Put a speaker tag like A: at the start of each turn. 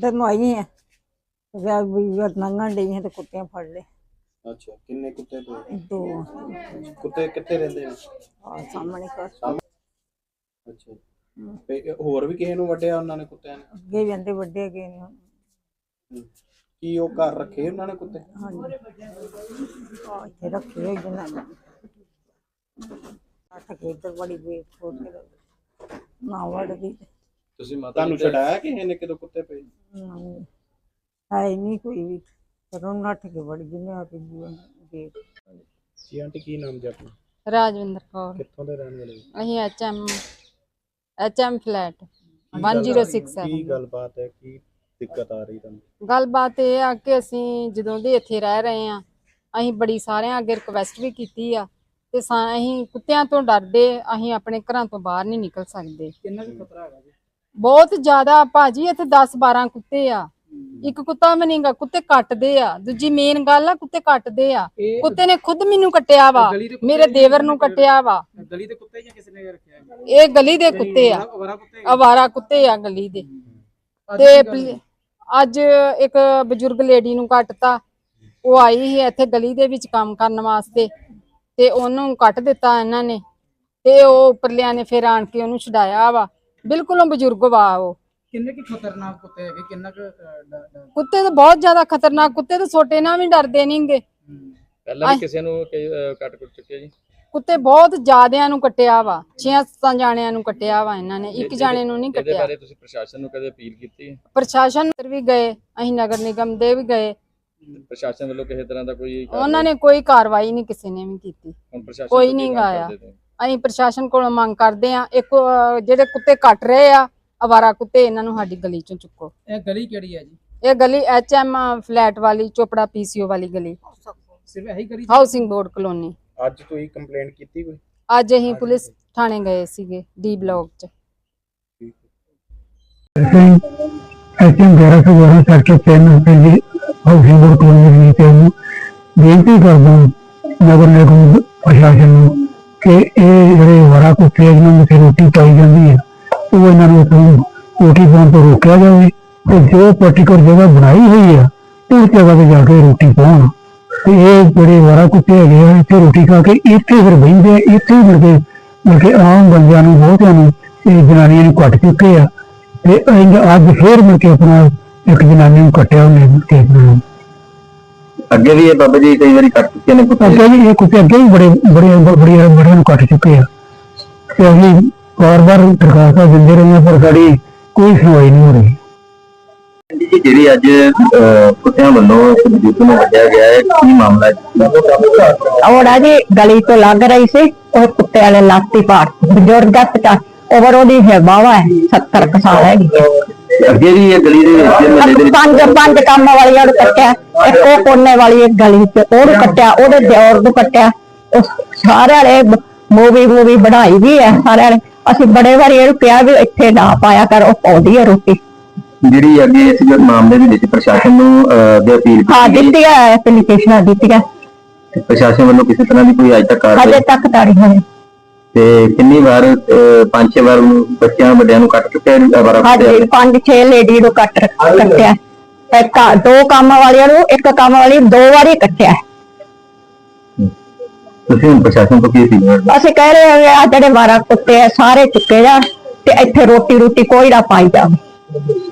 A: इधर नु आई है नंगन डई है तो कुत्ते फड़ ले।
B: अच्छा किन्ने कुत्ते पे?
A: 2
B: कुत्ते कितने रहंदे ने?
A: सामने कर
B: अच्छा ਤੇ ਹੋਰ ਵੀ ਕਿਸੇ ਨੂੰ ਵੱਢਿਆ ਉਹਨਾਂ ਨੇ ਕੁੱਤਿਆਂ ਨੇ?
A: ਅੱਗੇ ਵੀ ਆਂਦੇ ਵੱਡੇ ਗਏ ਨੇ।
B: ਕੀ ਉਹ ਘਰ ਰੱਖੇ ਉਹਨਾਂ ਨੇ ਕੁੱਤੇ?
A: ਹਾਂਜੀ ਇੱਥੇ ਰੱਖੇ ਹੋਏ ਜਨਾਂ ਅੱਠ ਕੇ ਇੱਧਰ ਬੜੀ ਵੇਟ ਛੋੜ ਕੇ ਨਾ ਵੜਦੀ।
B: ਤੁਸੀਂ ਮਾਤਾ ਤੁਹਾਨੂੰ ਛਡਾਇਆ ਕਿਸੇ ਨੇ ਕਿਦੋਂ ਕੁੱਤੇ ਪਏ? ਹੈ ਨਹੀਂ ਕੋਈ ਵੀ ਪਰ ਨੱਠ ਕੇ ਵੜ ਗਏ ਨੇ ਆ ਕੇ ਗੇਟ। ਜੀ ਆਂਟੀ ਕੀ ਨਾਮ ਜੀ ਆਪਣਾ?
C: ਰਾਜਵਿੰਦਰ ਕੌਰ।
B: ਕਿੱਥੋਂ ਦੇ ਰਹਿਣ ਵਾਲੇ?
C: ਅਸੀਂ ਐਚਐਮ ਫਲੈਟ 1067।
B: ਕੀ ਗੱਲਬਾਤ ਹੈ, ਕੀ ਦਿੱਕਤ ਆ ਰਹੀ ਤੁਹਾਨੂੰ?
C: ਗੱਲਬਾਤ ਇਹ ਆ ਕਿ ਅਸੀਂ ਜਦੋਂ ਦੇ ਇੱਥੇ ਰਹਿ ਰਹੇ ਆ ਅਸੀਂ ਬੜੀ ਸਾਰਿਆਂ ਅੱਗੇ ਰਿਕਵੈਸਟ ਵੀ ਕੀਤੀ ਆ ਤੇ ਅਸੀਂ ਕੁੱਤਿਆਂ ਤੋਂ ਡਰਦੇ ਅਸੀਂ ਆਪਣੇ ਘਰਾਂ ਤੋਂ ਬਾਹਰ ਨਹੀਂ ਨਿਕਲ ਸਕਦੇ।
B: ਕਿੰਨਾ ਕੁ ਖਤਰਾ ਹੈਗਾ ਜੀ?
C: ਬਹੁਤ ਜ਼ਿਆਦਾ ਭਾਜੀ, ਇੱਥੇ 10-12 ਕੁੱਤੇ ਆ। ਇੱਕ ਕੁੱਤਾ ਵੀ ਨਹੀਂਗਾ, ਕੁੱਤੇ ਕੱਟਦੇ ਆ। ਦੂਜੀ ਮੇਨ ਗੱਲ ਆ ਕੁੱਤੇ ਕੱਟਦੇ ਆ। ਕੁੱਤੇ ਨੇ ਖੁਦ ਮੈਨੂੰ ਕੱਟਿਆ ਵਾ, ਮੇਰੇ ਦੇਵਰ ਨੂੰ ਕੱਟਿਆ ਵਾ।
B: ਗਲੀ ਦੇ ਕੁੱਤੇ ਜਾਂ ਕਿਸੇ ਨੇ ਰੱਖਿਆ?
C: ਇਹ ਗਲੀ ਦੇ ਕੁੱਤੇ ਆ, ਅਵਾਰਾ ਕੁੱਤੇ ਆ ਗਲੀ ਦੇ। ਤੇ ਅੱਜ ਇੱਕ ਬਜ਼ੁਰਗ ਲੇਡੀ ਨੂੰ ਕੱਟਤਾ। ਉਹ ਆਈ ਸੀ ਇੱਥੇ ਗਲੀ ਦੇ ਵਿੱਚ ਕੰਮ ਕਰਨ ਵਾਸਤੇ ਤੇ ਉਹਨੂੰ ਕੱਟ ਦਿੱਤਾ ਇਹਨਾਂ ਨੇ ਤੇ ਉਹ ਉੱਪਰਲਿਆਂ ਨੇ ਫਿਰ ਆਣ ਕੇ ਉਹਨੂੰ ਛਡਾਇਆ ਵਾ। ਬਿਲਕੁਲ ਬਜ਼ੁਰਗ ਵਾ ਉਹ।
B: ਕਿੰਨੇ ਕੀ ਖਤਰਨਾਕ ਕੁੱਤੇ ਹੈਗੇ? ਕਿੰਨਾ
C: ਕੁੱਤੇ ਤਾਂ ਬਹੁਤ ਜ਼ਿਆਦਾ ਖਤਰਨਾਕ। ਕੁੱਤੇ ਤਾਂ ਛੋਟੇ ਨਾਲ ਵੀ ਡਰਦੇ ਨਹੀਂਗੇ।
B: ਪਹਿਲਾਂ ਵੀ ਕਿਸੇ ਨੂੰ ਕੱਟ ਚੁੱਕਿਆ ਜੀ?
C: ਕੁੱਤੇ ਬਹੁਤ ਜ਼ਿਆਦਿਆਂ ਨੂੰ ਕੱਟਿਆ ਵਾ, 6-7 ਜਾਣਿਆਂ ਨੂੰ ਕੱਟਿਆ ਵਾ ਇਹਨਾਂ ਨੇ, ਇੱਕ ਜਾਣੇ ਨੂੰ ਨਹੀਂ ਕੱਟਿਆ।
B: ਇਹਦੇ ਬਾਰੇ ਤੁਸੀਂ ਪ੍ਰਸ਼ਾਸਨ ਨੂੰ ਕਦੇ ਅਪੀਲ ਕੀਤੀ?
C: ਪ੍ਰਸ਼ਾਸਨ ਵੀ ਗਏ, ਅਸੀਂ ਨਗਰ ਨਿਗਮ ਦੇ ਵੀ ਗਏ।
B: ਪ੍ਰਸ਼ਾਸਨ ਵੱਲੋਂ ਕਿਸੇ ਤਰ੍ਹਾਂ ਦਾ ਕੋਈ
C: ਉਹਨਾਂ ਨੇ ਕੋਈ ਕਾਰਵਾਈ ਨਹੀਂ ਕਿਸੇ ਨੇ ਵੀ ਕੀਤੀ। ਕੋਈ ਨਹੀਂ ਆਇਆ। ਅਸੀਂ ਪ੍ਰਸ਼ਾਸਨ ਕੋਲੋਂ ਮੰਗ ਕਰਦੇ ਆ ਇੱਕ ਜਿਹੜੇ ਕੁੱਤੇ ਕੱਟ ਰਹੇ ਆ ਅਵਾਰਾ ਕੁੱਤੇ, ਇਹਨਾਂ ਨੂੰ ਸਾਡੀ ਗਲੀ ਚੋਂ ਚੁੱਕੋ।
B: ਇਹ ਗਲੀ ਕਿਹੜੀ ਹੈ ਜੀ?
C: ਇਹ ਗਲੀ ਐਚਐਮ ਫਲੈਟ ਵਾਲੀ ਚੋਪੜਾ ਪੀਸੀਓ ਵਾਲੀ ਗਲੀ,
B: ਸਿਰਫ ਇਹੀ ਗਲੀ?
C: Housing board colony.
B: ਅੱਜ ਤੁਸੀਂ ਕੰਪਲੇਂਟ ਕੀਤੀ ਕੋਈ?
C: ਅੱਜ ਅਸੀਂ ਪੁਲਿਸ ਥਾਣੇ ਗਏ ਸੀਗੇ ਡੀ ਬਲਾਕ ਚ।
D: ਐਚਐਮ 1112 ਸੈਕਟਰ 3 ਦੀ ਹਾਊਸਿੰਗ ਬੋਰਡ ਕਲੋਨੀ ਤੇ ਬੇਨਤੀ ਕਰਦਾ ਨਗਰ ਨਿਗਮ ਪ੍ਰਸ਼ਾਸਨ ਨੂੰ ਕਿ ਇਹ ਜਿਹੜੇ ਅਵਾਰਾ ਕੁੱਤੇ ਜਿਹਨਾਂ ਨੂੰ ਰੋਟੀ ਪਾਈ ਜਾਂਦੀ ਹੈ ਉਹ ਇਹਨਾਂ ਨੂੰ ਰੋਟੀ ਪਾਉਣ ਤੋਂ ਰੋਕਿਆ ਜਾਵੇ ਤੇ ਜੋ ਪਾਰਟੀਕੂਲਰ ਜਗ੍ਹਾ ਬਣਾਈ ਹੋਈ ਆ ਉਸ ਜਗ੍ਹਾ ਤੇ ਜਾ ਕੇ ਰੋਟੀ ਪਾਉਣ। ਤੇ ਇਹ ਜਿਹੜੇ ਅਵਾਰਾ ਕੁੱਤੇ ਹੈਗੇ ਆ ਇੱਥੇ ਰੋਟੀ ਖਾ ਕੇ ਇੱਥੇ ਫਿਰ ਬਹਿੰਦੇ ਆ, ਇੱਥੇ ਹੀ ਮੁੜ ਕੇ ਆਮ ਬੰਦਿਆਂ ਨੂੰ ਬਹੁਤਿਆਂ ਨੂੰ ਇਹ ਜਨਾਨੀਆਂ ਨੂੰ ਕੱਟ ਚੁੱਕੇ ਆ। ਤੇ ਅੱਜ ਫੇਰ ਮੁੜ ਕੇ ਆਪਣਾ ਇੱਕ ਜਨਾਨੀ ਨੂੰ ਕੱਟਿਆ ਉਹਨੇ।
E: ਅੱਗੇ ਵੀ ਇਹ ਬਾਬਾ ਜੀ ਕਈ ਵਾਰੀ ਕੱਟ ਚੁੱਕੇ ਨੇ ਕੁੱਤੇ?
D: ਅੱਗੇ ਵੀ ਇਹ ਕੁੱਤੇ ਅੱਗੇ ਵੀ ਬੜਿਆਂ ਨੂੰ ਕੱਟ ਚੁੱਕੇ ਆ ਤੇ ਅਸੀਂ ਵਾਰ-ਵਾਰ ਦਰਖਾਸਤਾਂ ਦਿੰਦੇ ਰਹੇ ਹਾਂ ਪਰ ਸਾਡੀ ਕੋਈ ਸੁਣਵਾਈ ਨਹੀਂ ਹੋ ਰਹੀ।
E: ਜਿਹੜੀ ਅੱਜ ਕੁੱਤਿਆਂ ਵੱਲੋਂ ਬਜ਼ੁਰਗ ਨੂੰ ਵੱਢਿਆ ਗਿਆ ਹੈ, ਕੀ ਮਾਮਲਾ ਹੈ?
F: ਔੜਾ ਜੀ ਗਲੀ ਤੋਂ ਲੱਗ ਰਹੀ ਸੀ, ਉਹ ਕੁੱਤੇ ਵਾਲੇ ਲਾਤੀ ਪਾੜ ਬਜ਼ੁਰਗ ਦਾ ਉਮਰ ਉਹਦੀ ਹੈ ਬਾਵਾ ਹੈ 70 ਸਾਲ ਹੈਗੀ।
E: ਅੱਗੇ ਵੀ ਇਹ ਗਲੀ ਦੇ ਵਿੱਚ
F: ਪੰਜ ਕੰਮ ਵਾਲੀਆਂ ਨੂੰ ਕੱਟਿਆ, ਇੱਕ ਉਹ ਕੋਨੇ ਵਾਲੀ ਇੱਕ ਗਲੀ ਚ ਉਹਨੂੰ ਕੱਟਿਆ, ਉਹਦੇ ਦਿਓਰ ਨੂੰ ਕੱਟਿਆ। ਸਾਰਿਆਂ ਨੇ ਮੂਵੀ ਬਣਾਈ ਵੀ ਹੈ ਸਾਰਿਆਂ ਨੇ। ਅਸੀਂ ਬੜੇ ਵਾਰੀ ਇਹਨੂੰ ਕਿਹਾ ਵੀ ਇੱਥੇ ਨਾ ਪਾਇਆ ਕਰ, ਉਹ ਪਾਉਂਦੀ ਹੈ ਰੋਟੀ।
E: ਜਿਹੜੀ ਅੱਗੇ ਇਸ ਮਾਮਲੇ ਦੇ ਵਿੱਚ ਪ੍ਰਸ਼ਾਸਨ ਨੂੰ ਅਪੀਲ
F: ਦਿੱਤੀ ਹੈ, ਐਪਲੀਕੇਸ਼ਨਾਂ ਦਿੱਤੀਆਂ।
E: ਪ੍ਰਸ਼ਾਸਨ ਵੱਲੋਂ ਕਿਸੇ ਤਰ੍ਹਾਂ ਦੀ ਕੋਈ ਅੱਜ ਤੱਕ
F: ਹਜੇ ਤੱਕ ਤਾਂ ਨਹੀਂ ਹੋਈ।
E: ਤੇ ਕਿੰਨੀ ਵਾਰ 5-6 ਵਾਰ ਬੱਚਿਆਂ ਵੱਡਿਆਂ ਨੂੰ ਕੱਟ ਚੁੱਕਿਆ?
F: ਹਾਂਜੀ 5-6 ਲੇਡੀ ਨੂੰ ਕੱਟਿਆ। ਇੱਕ 2 ਕੰਮ ਵਾਲਿਆਂ ਨੂੰ, ਇੱਕ ਕੰਮ ਵਾਲੀ 2 ਵਾਰੀ ਕੱਟਿਆ।
E: ਤੁਸੀਂ ਹੁਣ ਪ੍ਰਸ਼ਾਸਨ ਤੋਂ ਕੀ ਸੀ?
F: ਅਸੀਂ ਕਹਿ ਰਹੇ ਹਾਂ ਆ ਜਿਹੜੇ 12 ਕੁੱਤੇ ਆ ਸਾਰੇ ਚੁੱਕੇ ਜਾਣ ਤੇ ਇੱਥੇ ਰੋਟੀ ਕੋਈ ਨਾ ਪਾਈ ਜਾਵੇ।